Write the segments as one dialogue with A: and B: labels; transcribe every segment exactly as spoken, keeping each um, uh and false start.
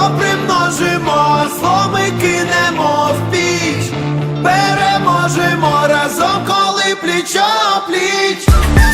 A: примножимо, зло ми кинемо в піч. Переможемо разом, коли пліч-о-пліч.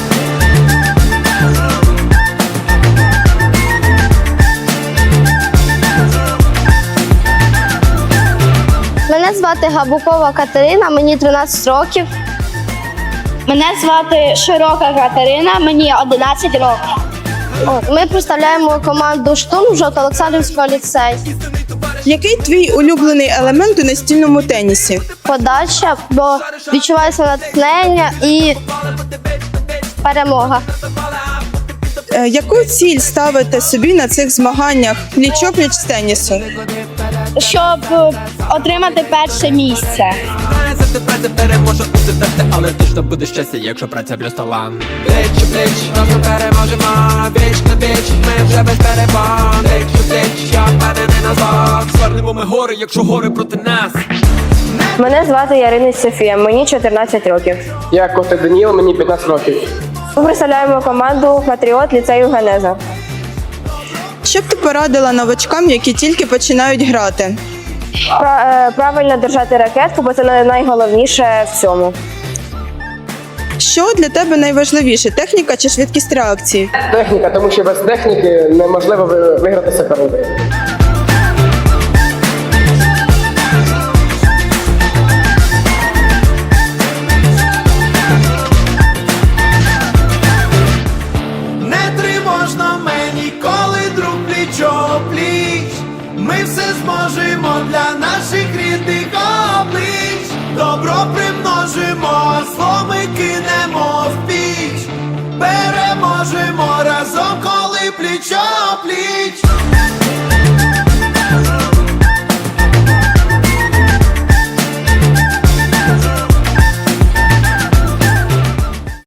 B: Мене звати Габукова Катерина, мені тринадцять років.
C: Мене звати Широка Катерина, мені одинадцять років.
B: Ми представляємо команду «Штурм» Жовто-Олександрівського ліцею.
D: Який твій улюблений елемент у настільному тенісі?
B: Подача, бо відчувається натхнення і перемога.
D: Е, Яку ціль ставите собі на цих змаганнях пліч-о-пліч з тенісу?
C: Щоб отримати перше місце.
A: Це праця переможе у тебе, але точно буде щастя, якщо праця плюс талант. Пліч у пліч, разом переможемо, віч на віч, ми вже без перебон. Пліч у пліч, я впевнений на зло. Звернемо ми гори, якщо гори проти нас.
E: Мене звати Ярина Софія, мені чотирнадцять років.
F: Я Костик Даніл, мені п'ятнадцять років.
E: Ми представляємо команду «Патріот» ліцею Генеза.
D: Що б ти порадила новачкам, які тільки починають грати?
E: Пра- е, правильно держати ракетку, бо це найголовніше в цьому.
D: Що для тебе найважливіше – техніка чи швидкість реакції?
F: Техніка, тому що без техніки неможливо ви- виграти суперника.
A: Не тривожно мені, коли друг пліч-о-пліч. Ми все зможемо для наших рідних облич. Добро примножимо, зло ми кинемо в піч. Переможемо разом, коли пліч-о-пліч.